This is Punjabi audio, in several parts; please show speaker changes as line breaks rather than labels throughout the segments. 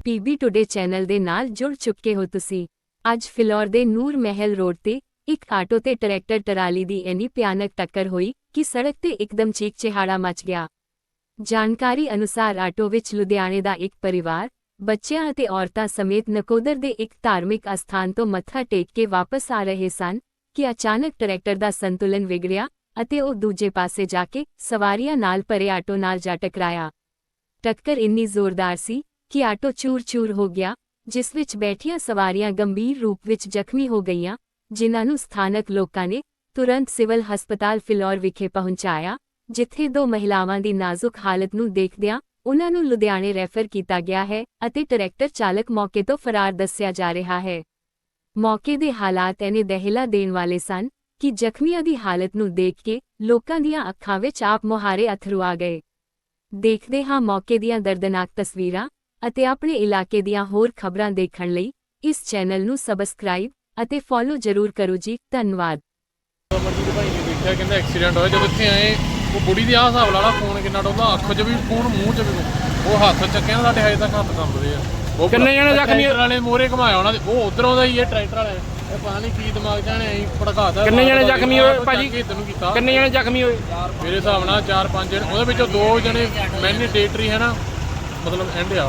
ਪੀਬੀ ਟੁਡੇ ਚੈਨਲ ਦੇ ਨਾਲ ਜੁੜ ਚੁੱਕੇ ਹੋ ਤੁਸੀਂ। ਅੱਜ ਫਿਲੌਰ ਦੇ ਨੂਰ ਮਹਿਲ ਰੋਡ ਤੇ ਇੱਕ ਆਟੋ ਤੇ ਟਰੈਕਟਰ ਟਰਾਲੀ ਦੀ ਇੰਨੀ ਭਿਆਨਕ ਟੱਕਰ ਹੋਈ ਕਿ ਸੜਕ ਤੇ ਇੱਕਦਮ ਚੀਕ-ਚਿਹਾੜਾ ਮਚ ਗਿਆ। ਜਾਣਕਾਰੀ ਅਨੁਸਾਰ ਆਟੋ ਵਿੱਚ ਲੁਧਿਆਣੇ ਦਾ ਇੱਕ ਪਰਿਵਾਰ, ਬੱਚਿਆਂ ਅਤੇ ਔਰਤਾਂ ਸਮੇਤ ਨਕੋਦਰ ਦੇ ਇੱਕ ਧਾਰਮਿਕ ਅਸਥਾਨ ਤੋਂ ਮੱਥਾ ਟੇਕ ਕੇ ਵਾਪਸ ਆ ਰਹੇ ਸਨ ਕਿ ਅਚਾਨਕ ਟਰੈਕਟਰ ਦਾ ਸੰਤੁਲਨ ਵਿਗੜਿਆ ਅਤੇ ਉਹ ਦੂਜੇ ਪਾਸੇ ਜਾ ਕੇ ਸਵਾਰੀਆਂ ਨਾਲ ਭਰੇ ਆਟੋ ਨਾਲ ਜਾ ਟਕਰਾਇਆ। ਟੱਕਰ ਇੰਨੀ ਜ਼ੋਰਦਾਰ ਸੀ ਕਿ ਆਟੋ ਚੂਰ-ਚੂਰ ਹੋ ਗਿਆ, ਜਿਸ ਵਿੱਚ ਬੈਠੀਆਂ ਸਵਾਰੀਆਂ ਗੰਭੀਰ ਰੂਪ ਵਿੱਚ ਜ਼ਖਮੀ ਹੋ ਗਈਆਂ, ਜਿਨ੍ਹਾਂ ਨੂੰ ਸਥਾਨਕ ਲੋਕਾਂ ਨੇ ਤੁਰੰਤ ਸਿਵਲ ਹਸਪਤਾਲ ਫਿਲੌਰ ਵਿਖੇ ਪਹੁੰਚਾਇਆ, ਜਿੱਥੇ ਦੋ ਮਹਿਲਾਵਾਂ ਦੀ ਨਾਜ਼ੁਕ ਹਾਲਤ ਨੂੰ ਦੇਖਦਿਆਂ ਉਨ੍ਹਾਂ ਨੂੰ ਲੁਧਿਆਣੇ ਰੈਫਰ ਕੀਤਾ ਗਿਆ ਹੈ ਅਤੇ ਟਰੈਕਟਰ ਚਾਲਕ ਮੌਕੇ ਤੋਂ ਫਰਾਰ ਦੱਸਿਆ ਜਾ ਰਿਹਾ ਹੈ। ਮੌਕੇ ਦੇ ਹਾਲਾਤ ਇੰਨੇ ਦਹਿਲਾ ਦੇਣ ਵਾਲੇ ਸਨ ਕਿ ਜ਼ਖਮੀਆਂ ਦੀ ਹਾਲਤ ਨੂੰ ਦੇਖ ਕੇ ਲੋਕਾਂ ਦੀਆਂ ਅੱਖਾਂ ਵਿੱਚ ਆਪ ਮੁਹਾਰੇ ਅੱਥਰੂ ਆ ਗਏ। ਦੇਖਦੇ ਹਾਂ ਮੌਕੇ ਦੀਆਂ ਦਰਦਨਾਕ ਤਸਵੀਰਾਂ ਅਤੇ ਆਪਣੇ ਇਲਾਕੇ ਦੀਆਂ ਹੋਰ ਖਬਰਾਂ ਦੇਖਣ ਲਈ ਇਸ ਚੈਨਲ ਨੂੰ ਸਬਸਕ੍ਰਾਈਬ ਅਤੇ ਫੋਲੋ ਜ਼ਰੂਰ ਕਰੋ ਜੀ। ਧੰਨਵਾਦ।
ਅਮਰਜੀਤ ਭਾਈ ਨੇ ਦੇਖਿਆ, ਕਹਿੰਦਾ ਐਕਸੀਡੈਂਟ ਹੋਇਆ। ਜਦੋਂ ਇੱਥੇ ਆਏ ਉਹ ਬੁੜੀ ਦੀ ਆਹ ਹਿਸਾਬ ਲਾਲਾ, ਫੋਨ ਕਿੰਨਾ ਡੋਲਦਾ, ਅੱਖ 'ਚ ਵੀ ਫੋਨ, ਮੂੰਹ 'ਚ ਵੀ, ਉਹ ਹੱਥ ਚੱਕਿਆ ਸਾਡੇ ਹਜੇ ਤੱਕ ਹੱਥ ਕੰਬਦੇ ਆ। ਉਹ
ਕਿੰਨੇ ਜਣੇ ਜ਼ਖਮੀ
ਵਾਲੇ ਮੋਰੇ ਘਮਾਇਆ ਉਹਨਾਂ ਦੇ, ਉਹ ਉਧਰੋਂ ਦਾ ਹੀ ਹੈ ਟਰੈਕਟਰ ਵਾਲੇ, ਇਹ ਪਤਾ ਨਹੀਂ ਕੀ ਦਿਮਾਗ ਜਾਣੇ ਐਂ ਭੜਕਾਤਾ।
ਕਿੰਨੇ ਜਣੇ ਜ਼ਖਮੀ ਹੋਏ ਭਾਜੀ?
ਤੈਨੂੰ ਕੀਤਾ
ਕਿੰਨੇ ਜਣੇ ਜ਼ਖਮੀ ਹੋਏ?
ਮੇਰੇ ਹਿਸਾਬ ਨਾਲ 4-5 ਜਣੇ, ਉਹਦੇ ਵਿੱਚੋਂ 2 ਜਣੇ ਮੈਂਡੇਟਰੀ ਹੈ ਨਾ, ਮਤਲਬ ਐਂਡ ਆ,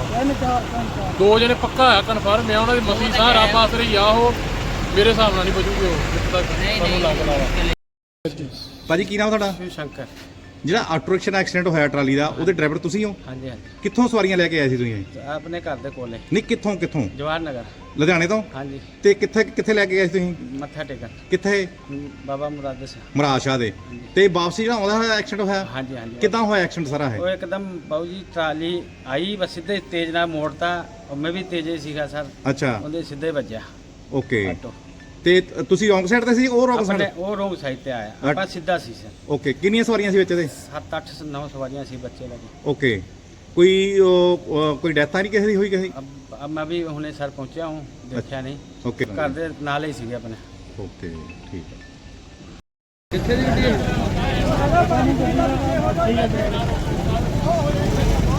2 ਜਣੇ ਪੱਕਾ ਆ ਕਨਫਰਮ ਆ। ਉਹਨਾਂ ਦੀ ਮਸੀ ਸਾਹ ਰੱਬ ਆਸਰੇ ਆ, ਉਹ ਮੇਰੇ ਹਿਸਾਬ ਨਾਲ ਨਹੀਂ ਬਚੂਗੇ ਉਹ, ਜਿੱਥੇ ਤੱਕ ਸਾਨੂੰ ਲੱਗਦਾ ਵਾ।
ਭਾਜੀ ਕੀ ਨਾਮ ਤੁਹਾਡਾ?
ਸ਼ਿਵ ਸ਼ੰਕਰ।
ਜਿਹੜਾ ਆਟੋ ਰਿਕਸ਼ਾ ਨਾਲ ਐਕਸੀਡੈਂਟ ਹੋਇਆ ਟਰਾਲੀ ਦਾ, ਉਹਦੇ ਡਰਾਈਵਰ ਤੁਸੀਂ ਹੋ?
ਹਾਂਜੀ ਹਾਂਜੀ,
ਕਿੱਥੋਂ ਸਵਾਰੀਆਂ ਲੈ ਕੇ ਆਏ ਸੀ ਤੁਸੀਂ?
ਆਪਣੇ ਘਰ ਦੇ ਕੋਲੇ।
ਨਹੀਂ, ਕਿੱਥੋਂ?
ਜਵਾਹਰ ਨਗਰ।
ਲੁਧਿਆਣੇ ਤੋਂ?
ਹਾਂਜੀ।
ਤੇ ਕਿੱਥੇ ਲੈ ਕੇ ਗਏ ਸੀ ਤੁਸੀਂ?
ਮੱਥਾ ਟੇਕਣ।
ਕਿੱਥੇ?
ਬਾਬਾ ਮੁਰਾਦ ਸਿੰਘ।
ਮਹਾਰਾਜ ਸ਼ਾਹ ਦੇ। ਤੇ ਵਾਪਸੀ ਜਿਹੜਾ ਆਉਂਦਾ ਹੋਇਆ ਐਕਸੀਡੈਂਟ ਹੋਇਆ?
ਹਾਂਜੀ ਹਾਂਜੀ।
ਕਿੱਦਾਂ ਹੋਇਆ ਐਕਸੀਡੈਂਟ ਸਾਰਾ
ਉਹ
ਹੈ?
ਇੱਕਦਮ ਬਾਊ ਜੀ ਟਰਾਲੀ ਆਈ, ਬਸ ਸਿੱਧੇ ਤੇਜ਼ ਨਾਲ ਮੋੜਤਾ, ਔਰ ਮੈਂ ਵੀ ਤੇਜ਼ ਹੀ ਸੀਗਾ ਸਰ,
ਅੱਛਾ,
ਉਹਦੇ ਸਿੱਧੇ ਵੱਜਿਆ
ਓਕੇ।
ਆਟੋ।
ਤੇ ਤੁਸੀਂ ਰੋਂਗ ਸਾਈਡ ਤੇ ਸੀ, ਉਹ ਰੋਂਗ ਸਾਈਡ?
ਆਪਣੇ ਉਹ ਰੋਂਗ ਸਾਈਡ ਤੇ ਆਇਆ, ਆਪਾਂ ਸਿੱਧਾ ਸੀ ਸਰ।
ਓਕੇ, ਕਿੰਨੀਆਂ ਸਵਾਰੀਆਂ ਸੀ ਵਿੱਚ ਇਹਦੇ?
7-8-9 ਸਵਾਰੀਆਂ ਸੀ, ਬੱਚੇ ਲੱਗੇ।
ਓਕੇ, ਕੋਈ ਡੈਥ ਤਾਂ ਨਹੀਂ ਕਿਸੇ ਦੀ ਹੋਈ ਕਿਸੇ?
अब मैं भी हुने सर पहुंचा हूँ, देखा नहीं।
ओके,
घर दे नाल ही सीगे अपने।
ओके, ठीक है।
ਕਿੱਥੇ ਦੀ ਗੱਡੀ ਹੈ?